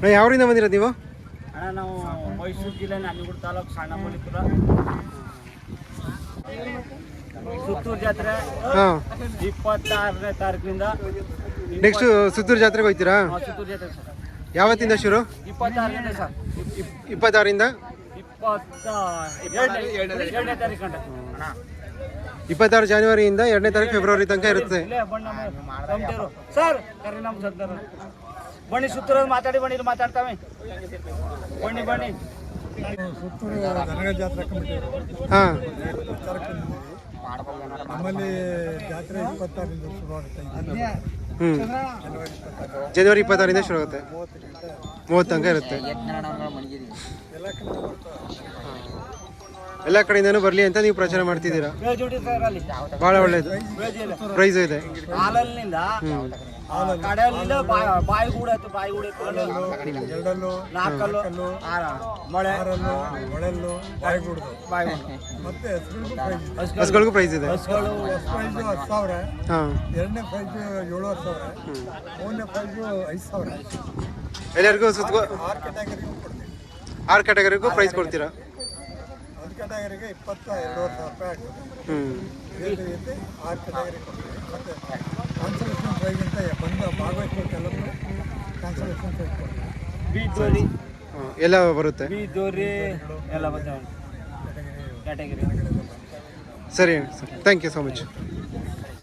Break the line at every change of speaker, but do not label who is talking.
ಯಾವರಿಂದ ಬಂದಿರೋದು ನೀವು?
ಅಣ್ಣ ನಾವು ಮೈಸೂರು ಜಿಲ್ಲೆ ನಂಜನಗೂಡು ತಾಲೂಕು ಸಣ್ಣ ಮಲ್ಲಿಪುರ ಸುತ್ತೂರು ಜಾತ್ರೆ 26ನೇ ತಾರೀಕಿನಿಂದ.
ನೆಕ್ಸ್ಟ್ ಸುತ್ತೂರು ಜಾತ್ರೆಗೆ ಹೋಗ್ತೀರಾ?
ಸುತ್ತೂರು ಜಾತ್ರೆ ಸರ್.
ಯಾವತ್ತಿಂದ ಶುರು?
26ರಿಂದ ಸರ್.
26ರಿಂದ
2ನೇ ತಾರೀಕು ಗಂಟ.
26 ಜನವರಿಯಿಂದ 2ನೇ ತಾರೀಕು ಫೆಬ್ರವರಿ ತನಕ ಇರುತ್ತೆ.
ಸರ್ ಕರಿ ನಮ್ಮ ಸರ್ ಬನ್ನಿ ಸುತ್ತೂರು ಮಾತಾಡಿ ಬನ್ನಿ, ಇಲ್ಲಿ ಮಾತಾಡ್ತಾವೆ ಬನ್ನಿ ಬನ್ನಿ.
ಸುತ್ತೂರು ದನಗಳ ಜಾತ್ರೆ ಕಮಿಟಿ
ಹಾಂ,
ನಮ್ಮಲ್ಲಿ ಜಾತ್ರೆ 26ರಿಂದ ಶುರುವಾಗುತ್ತೆ.
ಜನವರಿ 26ರಿಂದ ಶುರು ಆಗುತ್ತೆ, 30 ತನಕ ಇರುತ್ತೆ. ಎಲ್ಲ ಕಡೆಯಿಂದನೂ ಬರಲಿ ಅಂತ ನೀವು ಪ್ರಚಾರ ಮಾಡ್ತಿದ್ದೀರಾ. ಭಾಳ ಒಳ್ಳೇದು, ಪ್ರೈಸ್ ಇದೆ.
ಹಾಲಲ್ಲಿಂದ ಕಡೆಯಲ್ಲಿಂದ ಬಾಯಿಗೂಡ
ಎರಡಲ್ಲು,
ನಾಲ್ಕಲ್ಲು,
ಆರಲ್ಲು, ಮೊಳೆಲ್ಲು, ಬಾಯಿಗೂಡು ಮತ್ತೆ
ಹಸುಗಳಿಗೂ ಪ್ರೈಸ್ ಇದೆ.
ಹಸುಗಳು ಪ್ರೈಸು 10,000,
ಹಾಂ,
ಎರಡನೇ ಪ್ರೈಸು 7,000, ಮೂರನೇ ಪ್ರೈಸು 5,000.
ಎಲ್ಲರಿಗೂ ಸುತ್ತ
6 ಕ್ಯಾಟಗರಿಗೂ ಕೊಡ್ತೀವಿ.
6 ಕ್ಯಾಟಗರಿಗೂ ಪ್ರೈಸ್ ಕೊಡ್ತೀರಾ?
ಒಂದು ಕ್ಯಾಟಗರಿಗೆ 22,000 ರೂಪಾಯಿ ಆಗ್ತದೆ. ಇದೇ ರೀತಿ 6 ಕ್ಯಾಟಗರಿ ಕೊಡ್ತೀವಿ. ಮತ್ತು ಕಾನ್ಸಲೇಷನ್ ಪ್ರೈಸ್ ಅಂತ ಬಂದು ಭಾಗವಹಿಸೋಕೆಲ್ಲರೂ ಕಾನ್ಸಲೇಷನ್ ಪ್ರೈಸ್ ಕೊಡ್ತೀವಿ.
ಬೀದೋರಿ
ಎಲ್ಲ ಬರುತ್ತೆ.
ಬೀದೋರಿ ಎಲ್ಲ ಬರ್ತಾವೆ ಕ್ಯಾಟಗರಿ.
ಸರಿ sir, thank you so much.